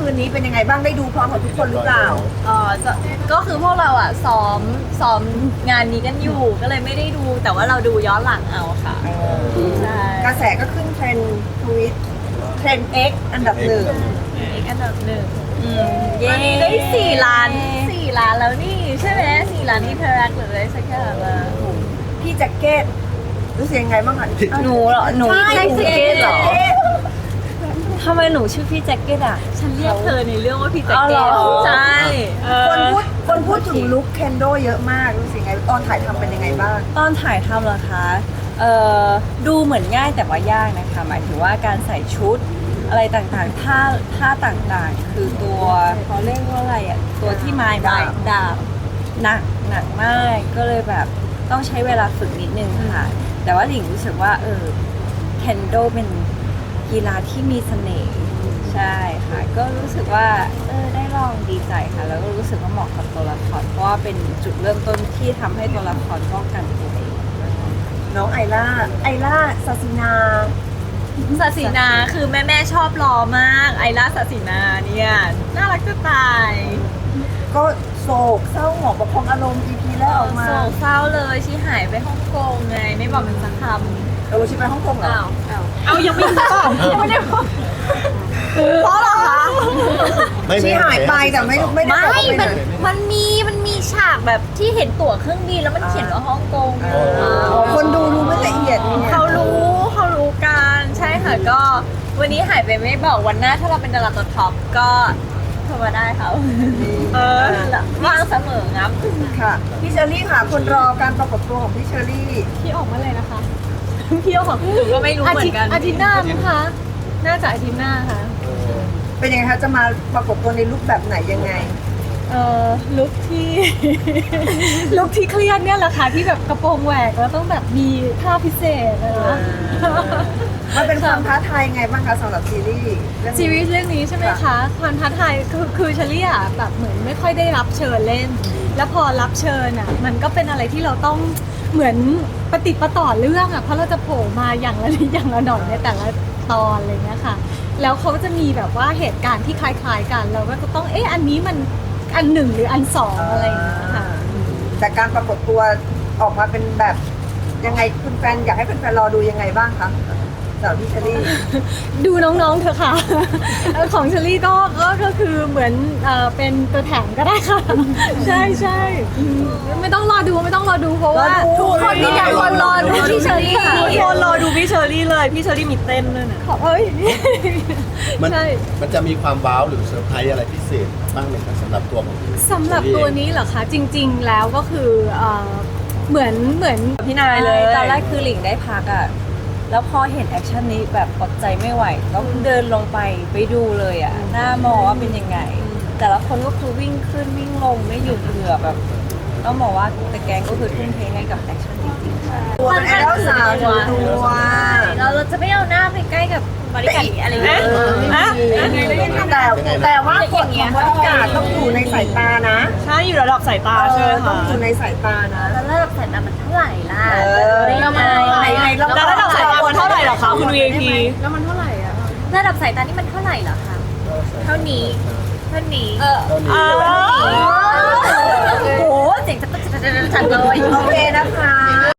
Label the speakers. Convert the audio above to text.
Speaker 1: คืนนี้เป็นยังไงบ้างได้ดูพร้อมกับทุกคนหรือเปล่า
Speaker 2: ก็คือพวกเราอ่ะซ้อมงานนี้กันอยู่ก็เลยไม่ได้ดูแต่ว่าเราดูย้อนหลังเอาค่ะใช่
Speaker 1: กระแสก็ขึ้นเทรนด์ทวิตเทรนด์ X อันดับหนึ่ง
Speaker 2: อีกอันดับหนึ่งตอนนี้ได้4 ล้านแล้วนี่ใช่ไหม4 ล้านอินเทอร์แอคหรืออะไรสักอย่างอะ
Speaker 1: พี่แจ็คเก็ตรู้สึกยังไงบ้างคะ
Speaker 3: หนูเหรอหนู
Speaker 1: ใช่
Speaker 3: ใช่
Speaker 1: พี่
Speaker 3: แจ็คเก็ตเหรอ
Speaker 1: แจ็คเก็ต
Speaker 3: ทำไมหนูชื่อพี่แจ็คเก็ตอ่ะ
Speaker 2: ฉันเรียกเธอในเรื่องว่าพี่แจ็ค
Speaker 3: อ๋อ
Speaker 2: เก็
Speaker 3: เหร
Speaker 2: ต
Speaker 3: อ
Speaker 2: ใช่
Speaker 1: คนพูดถึงลุคเคนโดเยอะมากรู้สึกยังไงตอนถ่ายทำเป็นยังไงบ้าง
Speaker 3: ตอนถ่ายทำเหรอคะดูเหมือนง่ายแต่ว่ายากนะคะ หมายถึงว่าการใส่ชุดอะไรต่างๆท่าต่างๆ คือตัวเขาเรียกว่าอะไรอ่ะ ตัวที่ไม้ดาบหนักมาก ก็เลยแบบต้องใช้เวลาฝึกนิดนึงค่ะ แต่ว่าหลิงรู้สึกว่าเคนโดเป็นกีฬาที่มีเสน่ห์ใช่ค่ะ ก็รู้สึกว่าได้ลองดีใจค่ะ แล้วก็รู้สึกว่าเหมาะกับตัวละครเพราะว่าเป็นจุดเริ่มต้นที่ทำให้ตัวละครป้องกันตัวเอง
Speaker 1: น้องไอล่าซาซินา
Speaker 2: ศาสินาคือแม่ชอบรอมากไอล่าศาสินาเนี่ยน่ารักจะตาย
Speaker 1: ก็โศกเศร้าหมองประคองอารมณ์ EP แรกออกมา
Speaker 2: โศกเศร้าเลยชีหายไปฮ่องกงไงไม่บอกมันสักคำ
Speaker 1: เราชิไปฮ่องกงเหรอ
Speaker 2: เอายังไม่บอกยังไม่ได้บอกเพราะเหรอคะ
Speaker 1: ชีหายไปแต่ไม่ได้บอกว่าไปไหน
Speaker 2: มันมีฉากแบบที่เห็นตั๋วเครื่องบินแล้วมันเขียนว่าฮ่องกง
Speaker 1: คนดูไม่ละเอียดเนี่ย
Speaker 2: เขารู้กันใช่ค่ะก็ วันนี้หายไปไม่บอกวันหน้าถ้าเราเป็นดาราตัวท็อปก็โทรมาได้ค่ะว่างเสมอครับ
Speaker 1: ค่ะพี่เชอรี่ค่ะคนรอการปรากฏตัวของพี่เชอรี่
Speaker 2: พี่ออกมาเลยนะคะพี่ออกหนูก็ไม่รู้เหมือนกันอาทิตย์หน้ามั้งคะน่าจะอาทิตย์หน้าค่ะ
Speaker 1: เป็นยังไงคะจะมาปรากฏตัวในลุคแบบไหนยังไง
Speaker 2: ลุคที่ ลุคที่เครียดเนี่ยแหละค่ะที่แบบกระโปรงแหวกแล้วต้องแบบมีท่าพิเศษนะคะ
Speaker 1: มันเป็นความท้าทายยังไงบ้างคะสำหรับซีรีส์เรื่องนี้
Speaker 2: ซีรีส์เรื่องนี้ใช่ไหมคะความท้าทายคือเชลี่อะแบบเหมือนไม่ค่อยได้รับเชิญเล่น แล้วพอรับเชิญอะมันก็เป็นอะไรที่เราต้องเหมือนปฏิดประต่อเรื่องอะเพราะเราจะโผล่มาอย่างละนิดอย่างละหน่อยในแต่ละตอนอะไรเงี้ยค่ะ แล้วเขาจะมีแบบว่าเหตุการณ์ที่คล้ายๆกันเราก็จะต้องอันนี้มันอันหนึ่งหรืออันสองอะไรอย่างเงี้ยค่ะ
Speaker 1: แต่การปรากฏตัวออกมาเป็นแบบยังไงคุณแฟนอยากให้แฟนๆรอดูยังไงบ้างคะสำหรับพี่เชอรี่
Speaker 2: ดูน้องๆเถอะค่ะ ของเชอรี่ก็คือเหมือนเป็นตัวแถมก็ได้ค่ะ ใช่ใช่ไม่ต้องรอดูเพราะว่าทุกคนที่อยากรอดูพี่เชอรี่ค่ะ
Speaker 3: ทุกคนรอดูพี่เชอรี่เลยพี่เชอรี่มีเต้นด้วยนะ
Speaker 2: ขอเอ้ย
Speaker 4: มัน
Speaker 2: ใช่
Speaker 4: มันจะมีความว้าวหรือเซอร์ไพรส์อะไรพิเศษบ้างไหมครับสำหรับตัวของ
Speaker 2: สำหรับตัวนี้เหรอคะจริงๆแล้วก็คือเหมือน
Speaker 3: พี่นายเลยตอนแรกคือหลิงได้พักอ่ะแล้วพอเห็นแอคชั่นนี้แบบอดใจไม่ไหวต้องเดินลงไปดูเลยอ่ะหน้ามองว่าเป็นยังไง แต่ละคนก็คือวิ่งขึ้นวิ่งลงไม่หยุดเหงื่อแบบต้องบอกว่าแต่แกงก็คือทุ่มเทให้กับแอคชั่นจริงๆค่ะ
Speaker 1: ตัวเป็นไอดอลสาวตัว
Speaker 2: เราจะไม่เอาหน้าไปใกล้กับบริการอะไรอย่างเงี้ย
Speaker 1: แต่ว่าคนของบริการต้องอยู่ในสายตานะ
Speaker 3: ใช่อยู่ระดับสายตาใช่ไหม
Speaker 1: ต้อ
Speaker 3: คะ
Speaker 1: งอยู่ในสายตานะ
Speaker 2: แล้วระดับสายตามันเท่าไหร่ล่ะ
Speaker 1: แล้วระดับสายตาบน
Speaker 3: เท่าไหร่หรอคะคุณ VIP
Speaker 2: แล้วมันเท่าไหร่อะระดับสายตานี่มันเท่าไหร่เหรอคะเท่านี้
Speaker 4: ตอนนี้
Speaker 2: โอ้โหเจ๋งจังเลย
Speaker 1: โอเคนะคะ